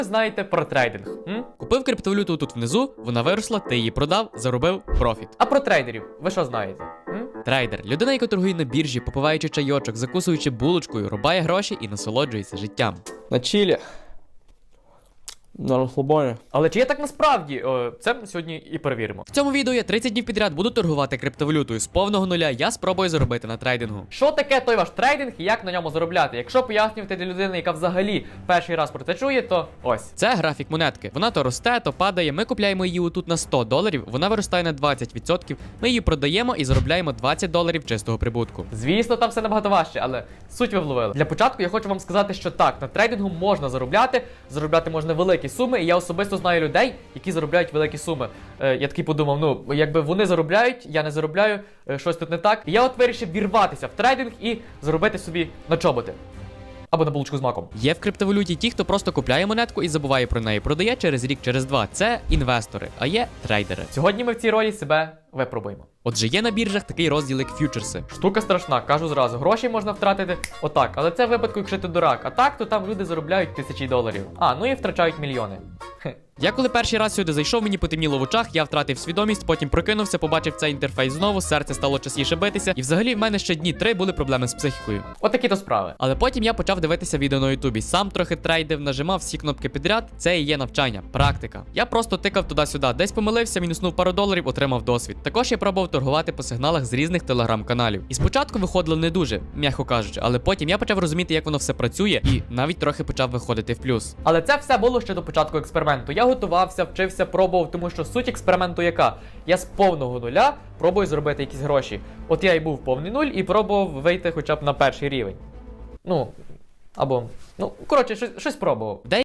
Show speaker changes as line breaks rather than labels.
ви знаєте про трейдинг? Купив криптовалюту тут внизу, вона виросла, ти її продав, заробив профіт. А про трейдерів ви що знаєте? Трейдер – людина, яка торгує на біржі, попиваючи чайочок, закусуючи булочкою, рубає гроші і насолоджується життям.
На чилі. На розслабоні.
Але чи є так насправді? Це ми сьогодні і перевіримо. В цьому відео я 30 днів підряд буду торгувати криптовалютою з повного нуля. Я спробую заробити на трейдингу. Що таке той ваш трейдинг і як на ньому заробляти? Якщо пояснювати для людини, яка взагалі перший раз про це чує, то ось. Це графік монетки. Вона то росте, то падає. Ми купляємо її отут на $100, вона виростає на 20%. Ми її продаємо і заробляємо $20 чистого прибутку. Звісно, там все набагато важче, але суть ви вловили. Для початку я хочу вам сказати, що так, на трейдингу можна заробляти. Заробляти можна великі суми, і я особисто знаю людей, які заробляють великі суми. Я такий подумав, ну, якби вони заробляють, я не заробляю, щось тут не так. І я от вирішив вірватися в трейдинг і заробити собі на чоботи. Або на булочку з маком. Є в криптовалюті ті, хто просто купляє монетку і забуває про неї, продає через рік, через два. Це інвестори, а є трейдери. Сьогодні ми в цій ролі себе випробуємо. Отже, є на біржах такий розділ, як ф'ючерси. Штука страшна, кажу зразу. Гроші можна втратити отак, але це в випадку, якщо ти дурак. А так, то там люди заробляють $1000. Ну і втрачають мільйони. Я коли перший раз сюди зайшов, мені потемніло в очах, я втратив свідомість, потім прокинувся, побачив цей інтерфейс знову, серце стало частіше битися, і взагалі в мене ще дні 3 були проблеми з психікою. Отакі то справи. Але потім я почав дивитися відео на Ютубі, сам трохи трейдив, нажимав всі кнопки підряд, це і є навчання, практика. Я просто тикав туди-сюди, десь помилився, мінуснув пару доларів, отримав досвід. Також я пробував торгувати по сигналах з різних телеграм-каналів. І спочатку виходило не дуже, м'яко кажучи, але потім я почав розуміти, як воно все працює, і навіть трохи почав виходити в плюс. Але це все було ще до початку експерименту. Я готувався, вчився, пробував, тому що суть експерименту яка? Я з повного нуля пробую зробити якісь гроші. От я і був повний нуль і пробував вийти хоча б на перший рівень. Коротше, щось пробував.